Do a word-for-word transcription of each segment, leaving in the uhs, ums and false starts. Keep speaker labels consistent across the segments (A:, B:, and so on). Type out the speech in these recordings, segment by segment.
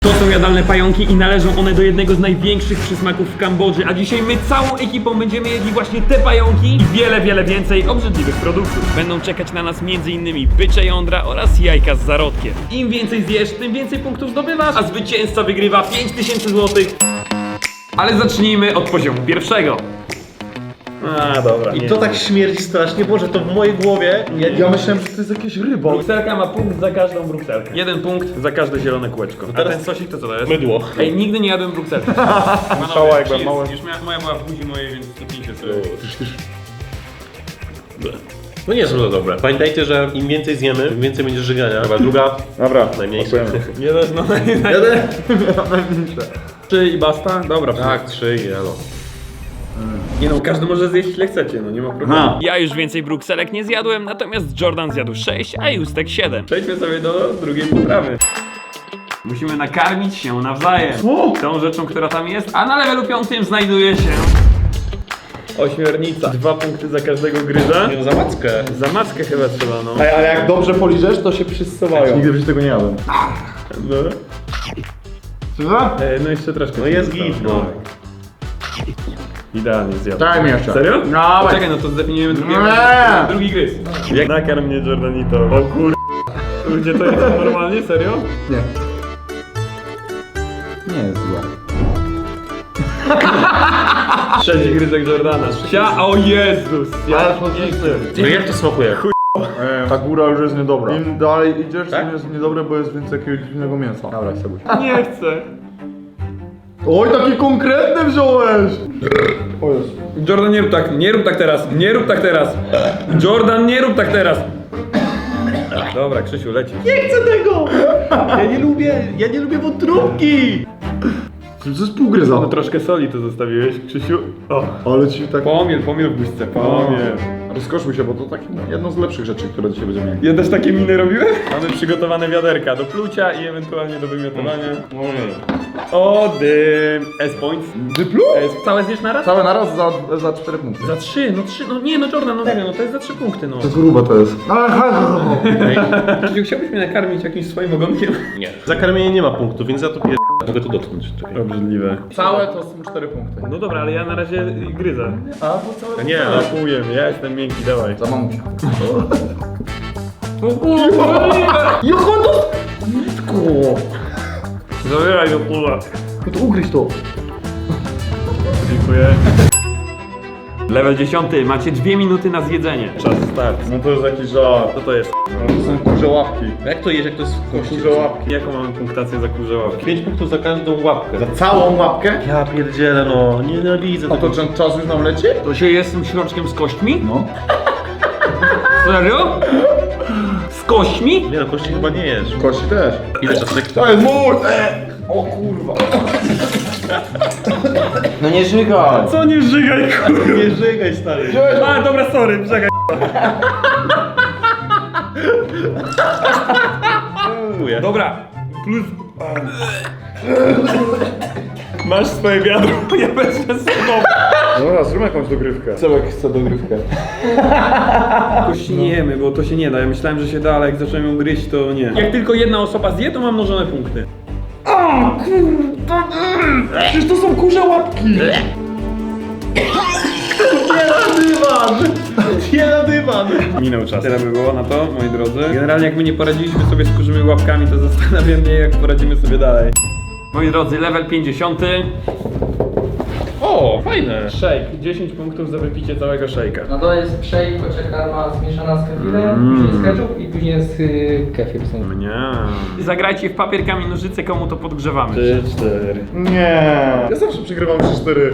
A: To są jadalne pająki i należą one do jednego z największych przysmaków w Kambodży, a dzisiaj my całą ekipą będziemy jedli właśnie te pająki i wiele, wiele więcej obrzydliwych produktów. Będą czekać na nas między innymi bycze jądra oraz jajka z zarodkiem. Im więcej zjesz, tym więcej punktów zdobywasz, a zwycięzca wygrywa pięć tysięcy złotych. Ale zacznijmy od poziomu pierwszego. A, dobra.
B: I to tak śmierdzi strasznie, Boże, to w mojej głowie... Ja,
C: Ja myślałem, że to jest jakieś ryba.
A: Brukselka ma punkt za każdą brukselkę. Jeden punkt za każde zielone kółeczko. A
B: teraz
A: ten sosik to co to jest?
B: Mydło.
A: Ej, nigdy nie jadłem brukselki.
C: Słyszała jak byłem mały.
A: Już moja była w buzi mojej, więc stopnijcie sobie.
B: No nie są to dobre. Pamiętajcie, że im więcej zjemy, tym więcej będzie żygania. Chyba druga,
C: Dobra,
B: najmniejsza.
A: Jeden, no naj,
C: Jeden.
A: Trzy i basta? Dobra.
B: Tak, trzy i no.
A: Nie no, każdy może zjeść ile chcecie, no nie ma problemu.
C: Aha.
A: Ja już więcej brukselek nie zjadłem, natomiast Jordan zjadł sześć, a Justek siedem. Przejdźmy sobie do drugiej potrawy. Musimy nakarmić się nawzajem.
C: Co?
A: Tą rzeczą, która tam jest, a na levelu piątym znajduje się ośmiornica. Dwa punkty za każdego gryza.
B: Nie no, za mackę.
A: Za mackę chyba trzeba, no.
C: Ej, ale jak dobrze poliżesz, to się przyssowają. Nigdy byś tego nie jadłem.
A: No,
C: Co?
A: e, no jeszcze troszkę.
B: No jest git, no.
A: Idealnie zjadł.
C: Daj mi jeszcze.
A: Serio?
C: No,
A: Czekaj, no to zdefiniujemy drugi,
C: Nie.
A: drugi gryz. Jak nakarm mnie Jordanito. O kur... Ludzie, to jest normalnie? Serio?
C: Nie. Nie jest złe.
A: Sześć gryzek Jordana. Sia, o Jezus! Ja
C: Ale
B: No jak to smakuje?
C: E, ta góra już jest niedobra. Im dalej idziesz,
B: Tak?
C: tym jest niedobre, bo jest więcej jakiegoś dziwnego mięsa. Dobra, Sebuś.
A: nie chcę.
C: Oj, takie konkretne wziąłeś! O Jezu.
A: Jordan, nie rób tak, nie rób tak teraz, nie rób tak teraz. Jordan, nie rób tak teraz. Dobra, Krzysiu, leci.
B: Nie chcę tego! Ja nie lubię, ja nie lubię wątróbki!
C: To jest półgryza.
A: No troszkę soli tu zostawiłeś, Krzysiu. O.
C: Ale ci tak...
A: Pomiel, pomiel w buźce, pomiel.
C: Rozkoszuj się, bo to takie jedno z lepszych rzeczy, które dzisiaj będziemy mieli.
A: Ja też takie miny robiłem? Mamy przygotowane wiaderka do plucia i ewentualnie do wymiotowania. O, dym. S-points.
C: Dyplu?
A: S. Całe zjesz naraz?
C: Całe naraz za, za cztery punkty.
A: Za trzy, no trzy, no nie no Jordan, no serio, no to jest za trzy punkty, no.
C: To grube to jest.
A: Krzysiu, chciałbyś mnie nakarmić jakimś swoim ogonkiem?
B: Nie. Za karmienie nie ma punktu, więc ja to pier... Mogę tu dotknąć. Czekaj.
A: Obrzydliwe.
C: Całe to są cztery punkty.
A: No dobra, ale ja na razie gryzę.
C: A, bo całe...
B: A nie, no.
A: Zapuję, ja jestem miękki, dawaj.
C: Za mamusia.
A: O kurwa!
C: Jochodo!
A: Zabieraj do pula.
C: No to ugryź to.
A: Dziękuję. Level dziesiąty, macie dwie minuty na zjedzenie. Czas start.
C: No to jest jakiś żart.
A: Co to jest?
C: No to są kurze łapki.
B: Jak to jest, jak to jest w kości?
C: Kurze łapki.
A: Jaką mamy punktację za kurze łapki?
B: pięć punktów za każdą łapkę.
C: Za całą łapkę?
B: Ja pierdzielę, no. Nienawidzę
C: A to
B: tego.
C: czy czas już nam leci?
A: To się jest z tym środkiem z kośćmi?
C: No.
A: Serio? Z kośćmi?
B: Nie no, kości chyba nie jesz.
C: Kości też.
B: Ile czasek?
C: To jest mój! E! O kurwa. No nie żygaj.
A: Co nie żygaj, kurwa?
B: Nie żygaj, stary.
A: A, dobra, sorry, czekaj.
B: Dziękuję.
A: Dobra, plus... Masz swoje wiadro, ja będę z tobą.
C: Dobra, zróbmy jakąś dogrywkę. Cebek chce dogrywkę.
A: Kości nie jemy, bo to się nie da. Ja myślałem, że się da, ale jak zacząłem ją gryźć, to nie. Jak tylko jedna osoba zje, to mam mnożone punkty.
C: Przecież to są kurze łapki.
B: Nie na dywan! Nie na dywan!
A: Minął czas. Tyle by było na to, moi drodzy. Generalnie jak my nie poradziliśmy sobie z kurzymi łapkami, to zastanawiam mnie, jak poradzimy sobie dalej. Moi drodzy, level pięćdziesiąty.
B: O, fajne.
A: Shake. dziesięć punktów za wypicie całego shake'a.
D: No to jest shake, kocia karma zmieszana z kefirem,
A: Mm.
D: później jest ketchup i później jest y, kefir. Są.
A: Mnie. Zagrajcie w papier, kamień, nożyce, komu to podgrzewamy.
B: Trzy, cztery.
C: Nie. Ja zawsze przegrywam trzy cztery.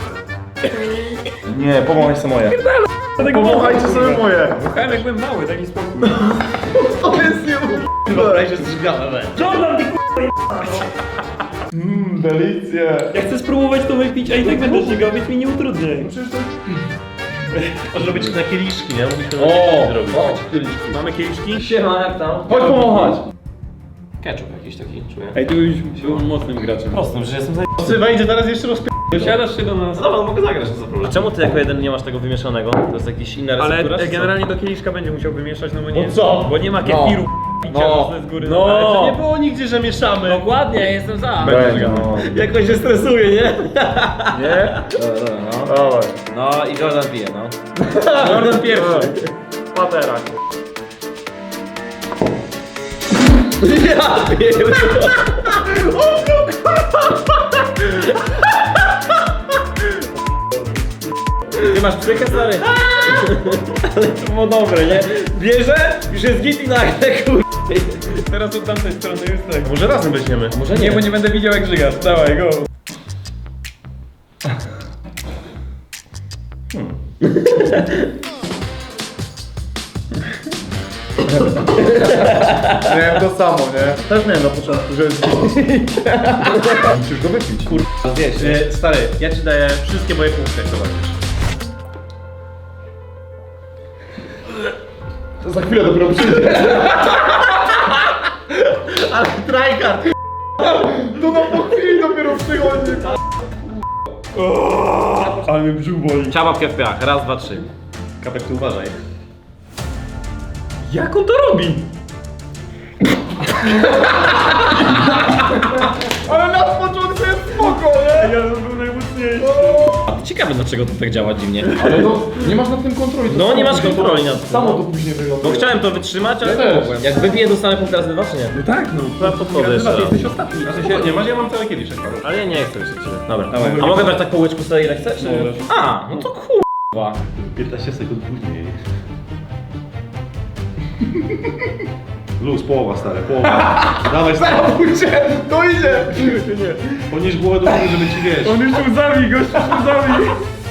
C: Nie, pomachaj sobie moje. Pomachajcie sobie moje.
A: Słuchałem jak byłem mały, daj mi spokój.
C: To jest nie
B: Wyobraź, że zżygane.
A: Jordan, ty
C: Mmm, delicje.
A: Ja chcę spróbować to wypić, a i tak będę żygał, więc mi nie utrudniaj.
B: Może być na kieliszki, nie? Mogliśmy na
C: O,
B: kieliszki zrobić.
C: o,
A: Mamy kieliszki?
D: Siema, jak tam?
C: chodź pomachać.
B: Ketchup jakiś taki, czuję.
A: Ej, tu już był mocnym graczem.
B: Prostym, że jestem za... Sywa idzie teraz jeszcze rozpi...
A: Dosiadasz się do nas.
B: No dobra, mogę zagrać, to za problem. A czemu ty jako jeden nie masz tego wymieszanego? To jest jakiś inna
A: Ale
B: receptura?
A: e, generalnie do kieliszka będzie musiał wymieszać, no bo nie.
B: No co?
A: Bo nie ma kefiru. No, z góry.
B: No, ale to
E: No.
B: nie było nigdzie, że mieszamy.
E: Dokładnie, jestem za.
C: Będzie, no.
B: Jakoś się stresuje, nie?
C: Nie?
E: Dobra, dobra, no.
C: Dawaj.
E: No i Jordan pije, no.
A: Jordan pierwszy.
C: Patera.
B: Ja pierdolę.
E: Ty masz psychę, stary?
B: To było dobre, nie? Bierze, już jest git i nagle, kur...
A: Teraz od tamtej strony jest tak.
B: Może razem weźmiemy.
E: Może
A: Nie, bo nie będę widział jak żygasz. Dawaj, go.
C: Miałem to samo, nie? Też miałem na początku, że jest musisz go wypić. Kur...
B: Wiesz, e, stary, ja ci daję wszystkie moje punkty, jak zobaczysz.
C: To za chwilę dopiero przyjdzie.
B: Ale tryhard!
C: To no po chwili dopiero przychodzi.
A: Ale mnie brzuch boli.
E: Ciababkę w piach, raz, dwa, trzy.
B: Kapek, tu uważaj.
A: Jak on to robi?
C: Ale na początku jest spoko, nie?
A: Ja był najmocniejszy.
E: Ciekawe dlaczego to tak działa dziwnie.
C: Ale no, nie masz nad tym kontroli. to
E: No,
C: samo
E: nie masz
C: później
E: kontroli
C: to-
E: nad tym,
C: Samo
E: no.
C: to później wygląda.
E: No chciałem to wytrzymać, ale
C: Ja
E: nie
C: też.
E: mogłem. Jak wypiję, dostanę punkt razy dwa, czy nie?
A: No tak, no.
B: Chyba podchodzę jeszcze raz.
A: Jesteś ostatni.
B: W sensie, nie masz, ja mam cały kieliszek.
E: Ale ja nie chcę już od ciebie. Dobra.
A: Dawaj.
E: A mogę brać tak po łyczku sobie ile chcę, czy?
A: Możesz.
E: A, no to kurwa.
B: piętnaście sekund później. Luz, połowa, stary, połowa. Dawaj, stary.
C: Pójdzie, to idzie. Nie.
B: Podnieś głowę do góry, żeby ci wiesz.
A: On już tu łzami, gość już łzami.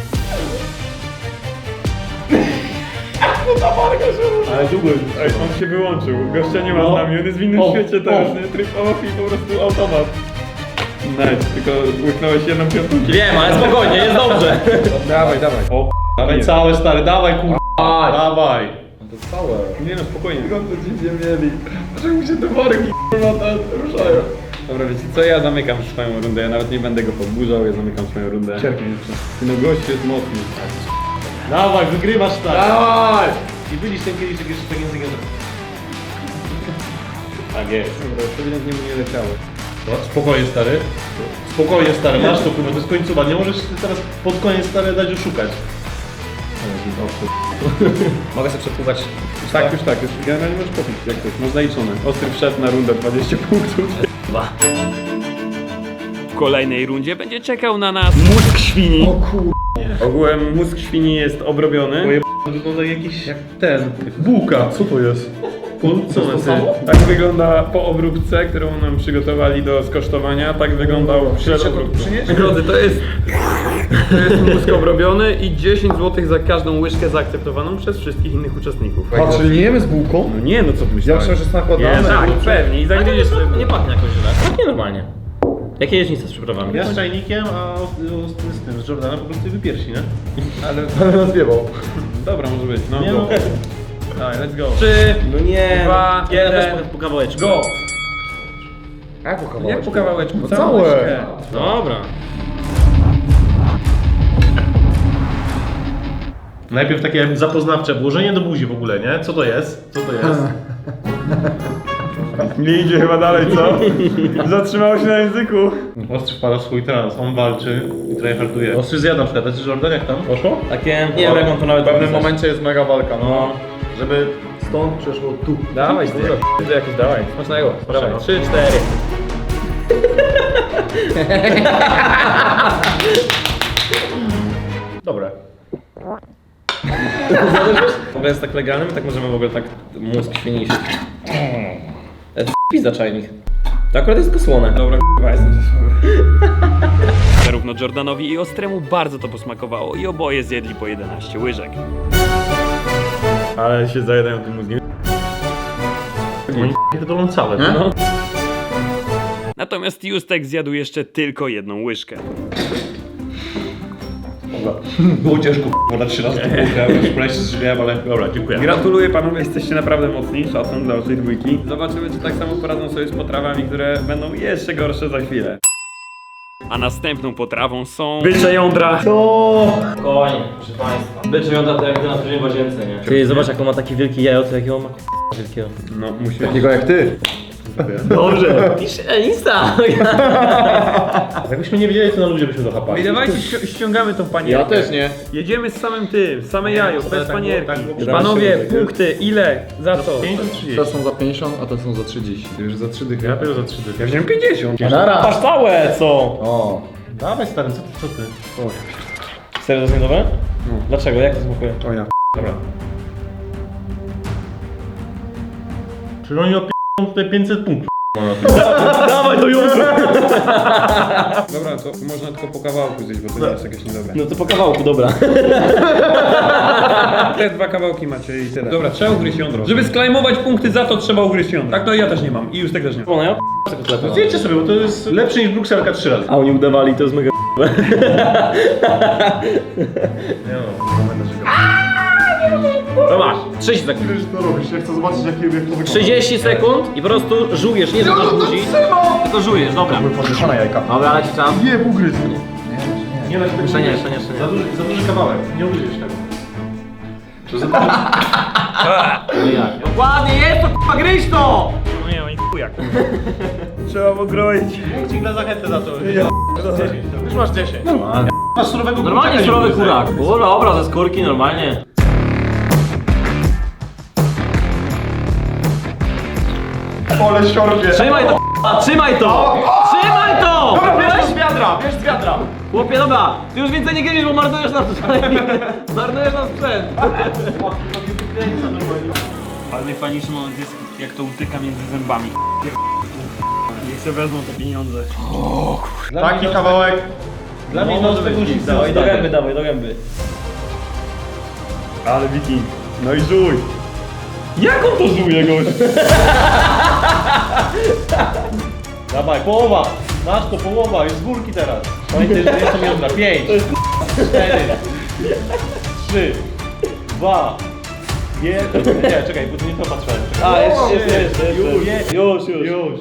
B: Ale długo już.
A: Ej, on się wyłączył. Gościa nie ma
B: No.
A: z nami, on jest w innym
B: Off,
A: świecie teraz.
B: off.
A: Nie? Tryb off i po prostu automat. Nice, tylko łyknąłeś jedną piątą.
E: Wiem, ale spokojnie, jest dobrze.
A: Dawaj, dawaj. O,
B: Dawaj
A: nie.
B: całe, stary, dawaj, kur... Dawaj.
C: To całe.
A: Nie no, spokojnie.
C: Skąd to dziwnie mieli? Dlaczego mi się te worki kurwa tam ruszają?
A: Dobra, wiecie co, ja zamykam swoją rundę, ja nawet nie będę go podburzał, ja zamykam swoją rundę.
C: Cierpię jeszcze.
A: No gość jest mocny.
B: Dawaj, wygrywasz, stary.
C: Dawaj!
B: I byliś ten kieliszek jeszcze tak językiem. Tak jest.
A: Dobra, ewidentnie mu nie leciało.
B: No, spokojnie, stary. Spokojnie, stary, masz to, kurwa, to jest końcowa. Nie możesz teraz pod koniec, stary, dać oszukać.
E: Mogę sobie przepływać.
A: Tak, już tak, już generalnie możesz popić, jak coś, masz zaliczone. Ostry wszedł na rundę, dwadzieścia punktów.
E: Dwa.
A: W kolejnej rundzie będzie czekał na nas mózg świni. O kur... Ogółem mózg świni jest obrobiony.
B: Moje wygląda jakiś, jak ten, jak bułka. Co to jest? Co
C: to
B: to
C: samo?
A: Tak wygląda po obróbce, którą nam przygotowali do skosztowania. Tak wyglądał przed obróbką. Drodzy, to jest, to jest mózg obrobiony i dziesięć złotych za każdą łyżkę zaakceptowaną przez wszystkich innych uczestników.
C: A, czyli nie jemy z bułką?
A: No nie, no co ty
C: Ja
A: myślałeś?
C: myślałem, że jest nakładane.
A: Nie, tak, pewnie. I
E: Ale to
A: zagryziesz
E: nie,
A: sobie.
E: nie pachnie jakoś źle. Pachnie normalnie. Jakie jeźdźnice z przyprawami?
B: Ja z czajnikiem, a z, z, z tym, z Jordanem po prostu wypiersi, nie?
A: Ale
C: Ale nas wiewał.
A: dobra, może być. No,
B: Nie
A: go.
B: no.
A: Dawaj, let's go. Trzy,
E: No nie.
A: dwa,
E: Ja
A: jeden.
E: też po, po kawałeczku.
A: Go!
C: Jak po kawałeczku?
A: Jak po kawałeczku?
C: No
A: Całą
C: całe.
A: łyżkę.
E: Dobra.
B: Najpierw takie zapoznawcze włożenie do buzi w ogóle, nie? Co to jest? Co to jest?
A: Nie idzie chyba dalej, co? Zatrzymało się na języku.
B: Ostry wpada w swój trans, on walczy i tryharduje. Ostry zjada na przykład, a Jordan jak tam? Poszło?
E: Takie, nie wiem jak on to nawet
C: W pewnym
E: opisać.
C: momencie jest mega walka, no.
E: No.
C: Żeby stąd przeszło tu.
A: Dawaj, ty. Ty jakiś dawaj.
E: Smacznego.
A: Dawaj, trzy, cztery.
B: Dobre.
E: W ogóle jest tak legalne, my tak możemy w ogóle tak mózg świni się... E, to pizza czajnik. To akurat jest tylko słone.
A: Dobra, k***a, jestem ze sobą. Zarówno Jordanowi i Ostremu bardzo to posmakowało i oboje zjedli po jedenaście łyżek. Ale się zajadają tym mózgiem.
B: Oni to dolą całe,
C: Nie?
B: no.
A: Natomiast Justek zjadł jeszcze tylko jedną łyżkę.
B: Było ciężko, bo na trzy razy to bułkę, już prawie się zżywiałem, ale dobra, dziękuję.
A: Gratuluję panowie, jesteście naprawdę mocni. Szacun dla waszej dwójki. Zobaczymy, czy tak samo poradzą sobie z potrawami, które będą jeszcze gorsze za chwilę. A następną potrawą są bycze jądra.
E: Spokojnie, proszę państwa. Bycze jądra to jak to na w łazience, nie? Ty zobacz jak on ma taki wielki jajo, to jakiego ma wielkiego.
A: No, musi.
C: Takiego jak ty.
E: Dobrze. Pisz Insta.
B: Jakbyśmy nie wiedzieli, co na ludzie byśmy dochapali.
A: Ej, dawajcie, ści- ściągamy tą panierkę.
C: Ja też nie.
A: Jedziemy z samym tym, same jajo, bez
B: tak było,
A: panierki.
B: tak było.
A: Panowie,
B: Zaraz się
A: punkty, ile? Za co?
B: pięćdziesiąt trzydzieści.
C: Te są za pięćdziesiąt, a te są za trzydzieści. Ty już za trzy dychy.
B: Ja biorę za trzy dychy.
A: Ja wziąłem pięćdziesiąt.
C: Nara.
E: Masz całe, co?
C: O.
B: Dawaj stary, co ty, co ty?
E: Serio to jest niedobre? Dlaczego? Jak to smakuje?
C: O ja.
B: Dobra. Czyli oni op***ą tutaj pięćset punktów.
E: Dawaj to jutro!
A: Dobra, to można tylko po kawałku zjeść, bo to nie jest jakieś niedobre.
E: No to po kawałku, dobra.
A: Te dwa kawałki macie i tyle. Dobra, trzeba ugryźć jądro. Żeby sklejmować punkty za to, trzeba ugryźć jądro. Tak, to ja też nie mam i już tak też nie mam.
E: Ona ja p***ę kotletę.
B: No zjedźcie sobie, bo to jest lepsze niż brukselka trzy razy.
E: A oni udawali, to jest mega
B: Nie no, nie będę żygał.
E: Dobra, trzydzieści sekund.
C: Wiesz, co robisz? Ja chcę zobaczyć, jak, jak to wygląda.
E: trzydzieści sekund i po prostu żujesz, nie że to buzi, tylko żujesz, dobra.
C: Podmieszane jajka.
E: Dobra, leci czas.
C: Nie, ugryz.
B: Nie da się tego
E: Jeszcze nie,
B: ugryźć.
E: jeszcze nie, jeszcze nie.
B: Za duży, za duży kawałek, nie ugryziesz tego. To za duży...
E: No jak? Dokładnie jest to, k***a, gryź to!
A: No nie, oni chujak. Trzeba pokroić.
B: Punkcik dla zachęty za to. Już masz dziesięć. Masz surowego
E: Normalnie
B: kurczaka,
E: surowy
B: nie
E: kurak. O dobra, ze skórki normalnie.
C: Ole siorbie.
E: Trzymaj to, k***a, trzymaj to! Trzymaj to!
C: Bierz z wiadra, bierz z wiadra.
E: Chłopie, dobra, ty już więcej nie gryzisz, bo marnujesz nam marnujesz nam sprzęt.
A: Ale najfajniejszy moment jest, jak to utyka między zębami. Niech se wezmą te pieniądze.
C: Taki kawałek.
B: Dla mnie
E: No,
B: może być nic.
E: dawaj, do gęby, dawaj, do gęby.
A: Ale wiking. No i żuj. Jak on to żuje, gość?
B: Dawaj, połowa. Masz to połowa, już z górki teraz. Pamiętaj, że jest to jądra. Pięć, cztery, trzy, dwa, jeden. Nie, czekaj, bo tu nie to patrzyłem.
E: A, jest, jest, jest, jest,
B: Już,
E: jest. Już, już.
B: Już.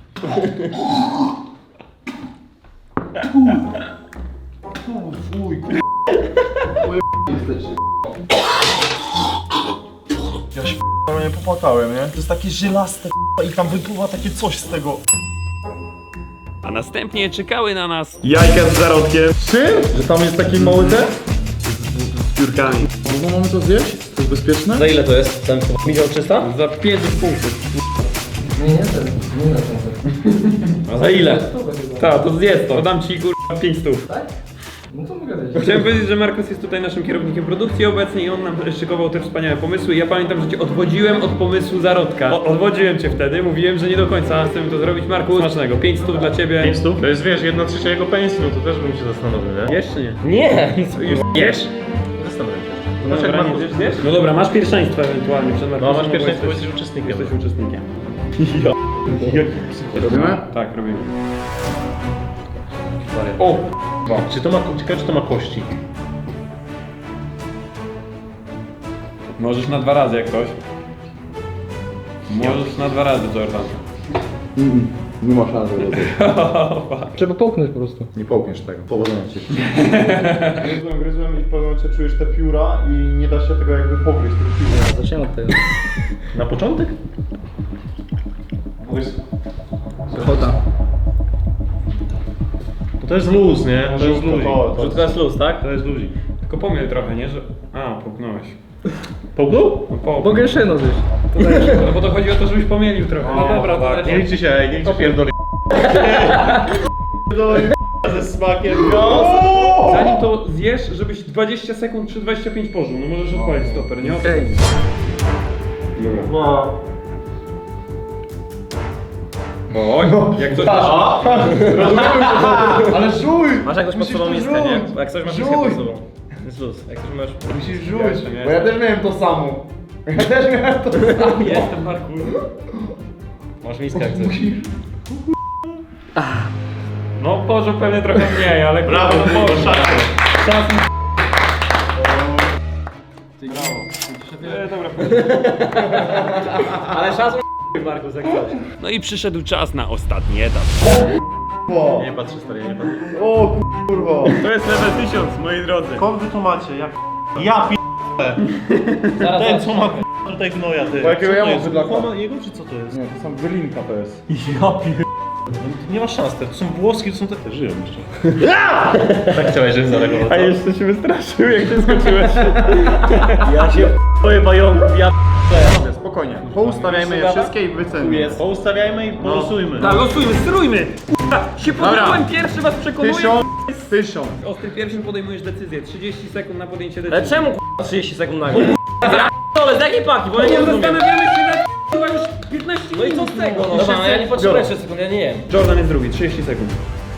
C: Ja się nie popłakałem, nie? To jest takie żelaste i tam wypływa takie coś z tego.
A: A następnie czekały na nas jajka z zarodkiem.
C: Czym? Że tam jest taki mały ten?
A: Z piórkami.
C: No mamy to zjeść? To jest bezpieczne?
E: Za ile to jest? Ten milion trzysta?
A: Za pięćdziesiąt punktów.
D: Nie, nie, ten, nie na ten.
E: A za ile?
A: Tak, to zjedz to. Dam ci kurwa pięć stów.
D: Tak? No to mogę zejść.
A: Chciałem powiedzieć, że Markus jest tutaj naszym kierownikiem produkcji obecnie i on nam szykował te wspaniałe pomysły. Ja pamiętam, że cię odwodziłem od pomysłu zarodka. O, odwodziłem cię wtedy, mówiłem, że nie do końca chcemy to zrobić. Markus, smacznego. pięć stów dla ciebie.
B: Pięć stów? To jest, wiesz, jedna trzecia jego pensji, no to też bym się zastanowił, nie?
A: Jeszcze nie.
E: Nie!
A: Już jesz?
B: Zastanawiam się.
A: No
B: Zobacz, jak
A: dobra,
B: Markus...
A: nie zjesz? No dobra, masz pierwszeństwo ewentualnie przed Markusem.
B: No, masz
A: bo
B: pierwszeństwo, bo
A: jesteś-
B: jesteś uczestnikiem.
A: Jesteś uczestnikiem.
C: Robimy?
A: Tak, robimy.
B: O! Czy to ma, ciekawe, czy to ma kości?
A: Możesz na dwa razy jak ktoś. Możesz na dwa razy, Jordan.
C: Nie ma szans, żeby
D: Trzeba połknąć po prostu.
C: Nie połkniesz tego. Powodzenia ci. Gryzłem, gryzłem i w pewnym momencie czujesz te pióra i nie da się tego jakby pogryźć, tych piór.
D: Zaczniemy od tego.
B: Na początek?
D: Ochota.
B: No to jest luz, nie? To jest
C: Żółtko,
B: luzik.
C: to- to-
E: Rzutko jest luz, tak?
B: To jest luzik.
A: Tylko pomiel trochę, nie? Że... A, połknąłeś.
B: Połknął?
A: No po.
D: Mogę jeszcze jedno zjeść.
A: No bo to chodzi o to, żebyś pomylił trochę. No dobra, to
B: Nie liczy się, ej, nie liczy pierdoli. Pierdoli ze smakiem.
A: Zanim to zjesz, żebyś dwadzieścia sekund czy dwadzieścia pięć pożył. No możesz odpalić stoper, nie?
D: Okej.
A: Dobra.
B: No.
A: Oj, jak coś
C: Ale żuj!
E: Masz jakąś pod
C: Musisz
E: sobą
C: to
E: miskę,
C: żuć.
E: nie? Bo jak coś masz miskę
C: Żuj.
E: pod sobą. Jest luz. Jak coś masz...
C: Musisz
A: Ja
C: żuć,
A: jeszcze nie.
C: bo ja też miałem to samo. Ja też miałem to samo.
A: Jestem parkour.
E: Masz miskę jak coś.
A: No pożył pewnie trochę mniej, ale
B: Brawo,
A: no,
B: brawo, szacun.
A: Czas mi... E, dobra,
E: Ale szacun Markus, jak coś.
A: no i przyszedł czas na ostatni etap.
C: O,
B: Nie patrzę, stary, nie patrzę.
C: o kurwa.
A: To jest level tysiąc, moi drodzy.
B: Skąd wy to macie? Jak ja p***e.
E: Zaraz,
B: Ten
E: zaraz.
B: co ma tutaj gnoja, ty.
C: Bo jakiego
B: Co
C: ja
B: to
C: mam
B: jest?
C: bydlaka?
B: Ucho jego czy co to jest?
C: Nie, to są wylinka to jest.
B: Ja pier... Nie ma szans, to są włoski, to są te... te żyją jeszcze. Tak chciałeś, żeby zareagował.
C: A jeszcze się wystraszył, jak ty skoczyłeś.
B: Ja się boję pająków, ja
C: Spokojnie, poustawiajmy je wszystkie i wycenimy.
B: Poustawiajmy i polosujmy.
A: Tak, losujmy, sterujmy! Kurwa, się podjąłem pierwszy, was przekonuję!
C: Tysiąc, tysiąc.
A: Ostry pierwszym podejmujesz decyzję, trzydzieści sekund na podjęcie
E: Ale
A: decyzji.
E: czemu k***a trzydzieści sekund nagle? Ale z jakiej paki? Bo ja nie
A: Nie
E: rozumiem.
A: zastanawiamy się nad chyba już piętnaście
E: No i co
A: minut.
E: z tego?
A: No.
E: No dobra, no ja nie potrzebuję trzy sekund, ja nie jem.
A: Jordan jest drugi, trzydzieści sekund.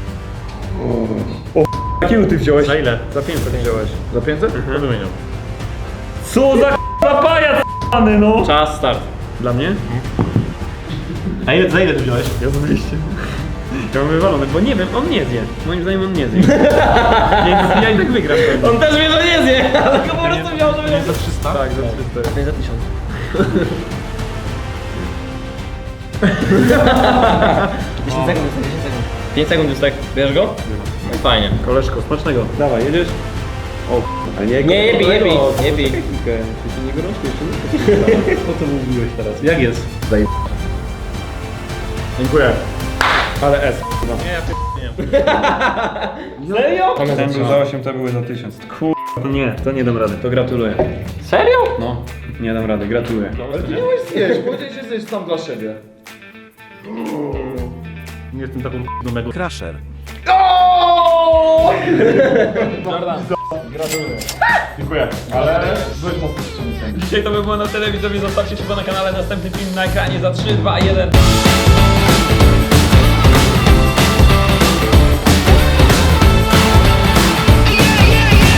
A: O, jakiego ty wziąłeś?
B: Za ile?
A: Za pięćset wziąłeś.
C: Za pięćset?
B: To wymieniam.
A: Co za k***a pajac p***ny, no!
E: Czas, start.
A: Dla mnie?
B: A ile, za ile ty wziąłeś?
A: Ja za dwieście. Ja mam wywalone, bo nie wiem, on nie zje. Moim zdaniem on nie zje. Więc ja i tak wygram pewnie.
E: On też wie, że nie zje, ale go po prostu wziął, żeby nie
B: Za trzysta?
A: Tak, za trzysta.
E: Nie za tysiąc. dziesięć sekund, dziesięć sekund. pięć sekund już tak, bierz go? No fajnie.
A: Koleżko, smacznego. Dawaj, jedziesz? O, a nie,
E: Nie, nie bij, nie bij, nie bij.
A: Ty się nie gorączki jeszcze nie?
B: Po co mówiłeś teraz? Jak jest?
A: Dziękuję. Ale S.
B: Nie, ja nie.
E: Serio?
A: Ten był za osiem, to były za tysiąc. Kur... To nie, to nie dam rady. To gratuluję.
E: Serio?
A: No, nie dam rady, gratuluję.
C: Ale ty nie możesz zjeść, powiedziałeś, że jesteś sam dla siebie.
B: Nie jestem taką p***ą
F: Crusher.
A: Jordan.
C: Dziękuję. Ale byłeś mocno ściągnięty.
A: Dzisiaj to by było na tyle, widzowie. Zostawcie suba na kanale, następny film na ekranie za trzy, dwa, jeden.